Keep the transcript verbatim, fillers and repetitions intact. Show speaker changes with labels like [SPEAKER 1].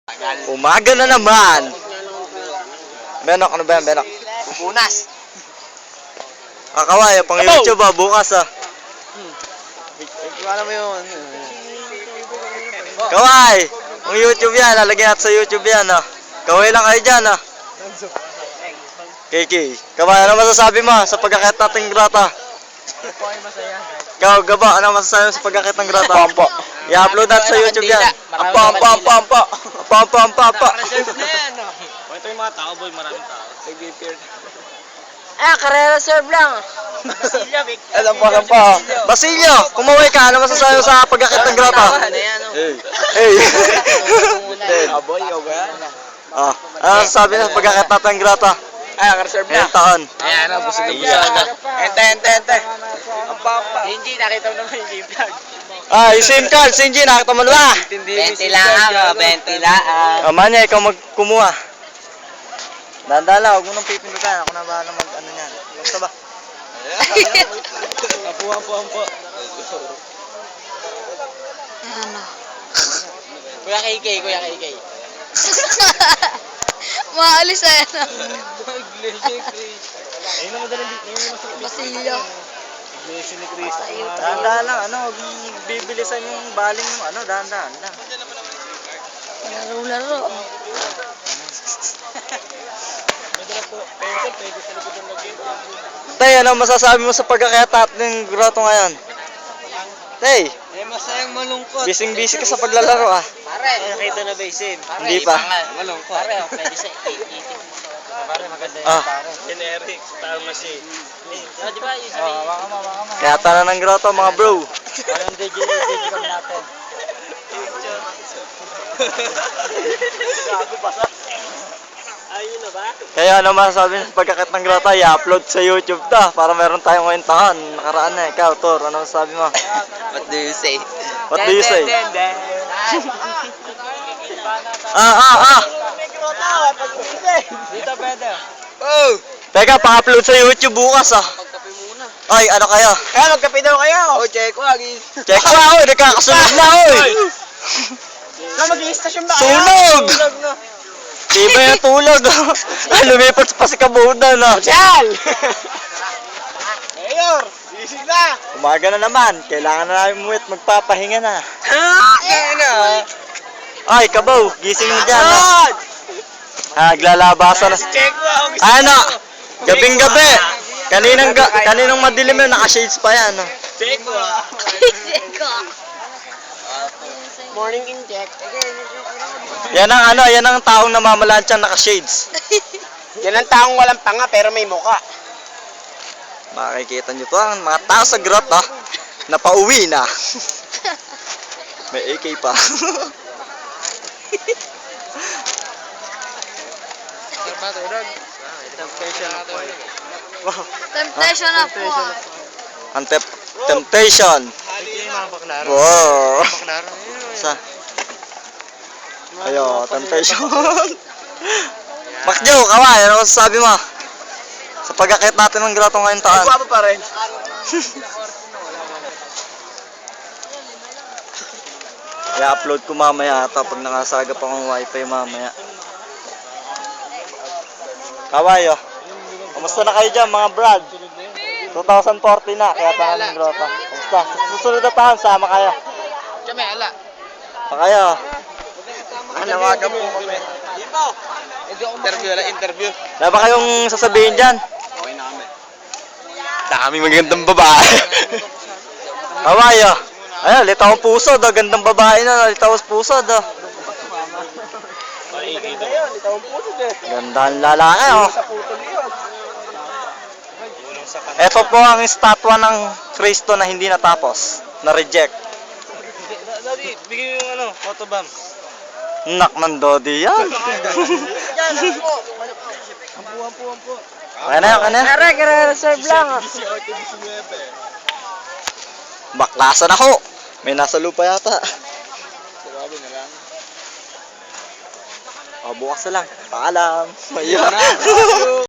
[SPEAKER 1] Umaga na naman. Benok, ano ba yan, Benok?
[SPEAKER 2] Pupunas.
[SPEAKER 1] Kakaway, pang YouTube ah, bukas ah.
[SPEAKER 2] Alam mo yun.
[SPEAKER 1] Kaway, pang YouTube yan, lalagyan natin sa YouTube yan ah. Kaway lang kayo dyan ah. K K, Kaway, ano masasabi mo sa pagkakit nating grata?
[SPEAKER 2] Ako ay masaya.
[SPEAKER 1] Ikaw, Gaba, ano masasabi mo sa pagkakit ng grata?
[SPEAKER 2] Pampo.
[SPEAKER 1] I-upload natin sa YouTube yan.
[SPEAKER 2] Ampo, ampo, ampo, ampo.
[SPEAKER 1] Ampo, ampo, ampo.
[SPEAKER 2] Reserve na yan, no?
[SPEAKER 3] Ito yung mga tao, boy, maraming tao.
[SPEAKER 2] Nag-appear.
[SPEAKER 4] Ah, karera serve lang.
[SPEAKER 2] Basilio, Vic.
[SPEAKER 1] Alam po, alam po. Basilio, kumaway ka, ano masasabi mo sa pagkakit ng grata? Hey. Hey.
[SPEAKER 2] Aboy, ikaw ba yan?
[SPEAKER 1] Ah, ano masasabi mo sa pagkakit natin ng grata?
[SPEAKER 2] Ay, naka-reserve na.
[SPEAKER 1] Ngayong taon.
[SPEAKER 2] Ayan, ano, busog na busog na. Ente, ente, ente. Ampa, ampa. Hindi, nakita mo naman yung G-Vlog.
[SPEAKER 1] Ah, yung SIM card, Sinji, nakita mo na ba?
[SPEAKER 2] Benti lang, benti lang.
[SPEAKER 1] Ah, Manya, ikaw magkumuha. Dahan-dahan lang, huwag mo nang pipindutan. Ako na bahala mag ano niyan. Basta ba?
[SPEAKER 2] Ampo, ampo, ampo.
[SPEAKER 4] Ano?
[SPEAKER 2] Kuya K K, Kuya K K.
[SPEAKER 4] Maalis eh.
[SPEAKER 3] Ayun na madaling dito. Ayun na masarap.
[SPEAKER 4] Basilio.
[SPEAKER 3] Iglesia ni Cristo.
[SPEAKER 1] Dahan-dahan lang, ano, huwag mong bibilisan yung baling ng ano, dahan-dahan lang.
[SPEAKER 4] Laro-laro.
[SPEAKER 1] Tay, ano masasabi mo sa pagkakayatat ng grotto ngayon? Tay,
[SPEAKER 2] Eh, masayang malungkot.
[SPEAKER 1] bising-busy ka sa paglalaro ah.
[SPEAKER 2] Pare, nakita na ba yung sim?
[SPEAKER 1] Hindi pa.
[SPEAKER 2] Malungkot. Pare, oh, pwede sa eighty. Pare, maganda
[SPEAKER 1] Ah.
[SPEAKER 2] pare.
[SPEAKER 3] Ken Eric, Star Machine.
[SPEAKER 2] Oh, di ba? Yung sabi.
[SPEAKER 1] Oh, baka ma, baka ma. Kayata na ng grotto mga bro.
[SPEAKER 2] Anong D J, D J kami natin? Gago basa. Ayun na ba?
[SPEAKER 1] Kaya ano masasabi mo sa pagkakit ng grotto? I-upload sa YouTube ta para meron tayong kwentahan. Nakaraan na, ikaw, Tor, ano masasabi mo?
[SPEAKER 2] What do you say?
[SPEAKER 1] What do you say?
[SPEAKER 2] Den, den, den.
[SPEAKER 1] Ah, ah, ah!
[SPEAKER 2] Dito pwede.
[SPEAKER 1] Oh! Teka, pa-upload sa YouTube bukas ah.
[SPEAKER 2] Magkape muna.
[SPEAKER 1] Ay, ano kayo?
[SPEAKER 2] Kaya magkape daw kayo. Oh, check ko agi.
[SPEAKER 1] Check ko ah, oy, nagkakasunod na oy!
[SPEAKER 2] Na mag-i-station ba
[SPEAKER 1] Sunog!
[SPEAKER 2] Sunog na.
[SPEAKER 1] Tiba yung tulog. Ah, lumipat pa si Kabudan ah.
[SPEAKER 2] Social! Mayor, gising na.
[SPEAKER 1] Umaga na naman, kailangan na namin umuwi at magpapahinga na.
[SPEAKER 2] Ha? Kaya na.
[SPEAKER 1] Ay, Kabaw, gising mo dyan ah. Ah, naglalabasan na.
[SPEAKER 2] Check ko ako gising.
[SPEAKER 1] Ano? Gabing gabi. Kaninang, ga kaninang madilim yun, naka-shades pa yan. ah.
[SPEAKER 2] Check ko.
[SPEAKER 4] Seko.
[SPEAKER 2] Morning inject.
[SPEAKER 1] Yan ang ano, yan ang taong namamalansyan naka-shades.
[SPEAKER 2] Yan ang taong walang panga pero may muka.
[SPEAKER 1] Makikita nyo to ang mga tao sa grot ah, na pauwi na. May A K pa.
[SPEAKER 4] Temptation na po.
[SPEAKER 1] Ang tep- temptation. Wow. Sa? Ayo, temptation. Makjo, kaway, ano masasabi mo? Sa pagkakit natin ng grotto ngayong taon.
[SPEAKER 2] Guwapo pa rin.
[SPEAKER 1] I-upload ko mamaya ata pag nakasagap akong wifi mamaya. Kaway, oh. Kamusta na kayo dyan, mga brad? twenty forty na, kaya tayo ng grotto. Kamusta? Sa susunod na taon, sama kayo.
[SPEAKER 2] Kami, ala.
[SPEAKER 1] Pa kayo.
[SPEAKER 2] Nanawagan po kami. Interview, ala, interview.
[SPEAKER 1] Wala ba kayong sasabihin dyan?
[SPEAKER 2] Okay na kami.
[SPEAKER 1] Daming magandang babae. Kaway, oh. Ayun, litaw ang puso, daw. Gandang babae na, litaw ang puso, daw.
[SPEAKER 2] Ayun, ito ang puso din.
[SPEAKER 1] Gandang lalaki, oh.
[SPEAKER 2] Sa putol yun.
[SPEAKER 1] Ito po ang estatwa ng Kristo na hindi natapos, na-reject.
[SPEAKER 3] Daddy, bigyan mo yung ano, photobomb.
[SPEAKER 1] Nak ng Dodi yan.
[SPEAKER 2] Yan, ampo.
[SPEAKER 3] Ampo, ampo, ampo.
[SPEAKER 1] Kaya na yan, kaya na yan.
[SPEAKER 4] Karera, karera serve lang.
[SPEAKER 1] Baklasan ako. May nasa lupa yata.
[SPEAKER 2] Sabi na lang.
[SPEAKER 1] O, bukas na lang. Paalam. Ayun.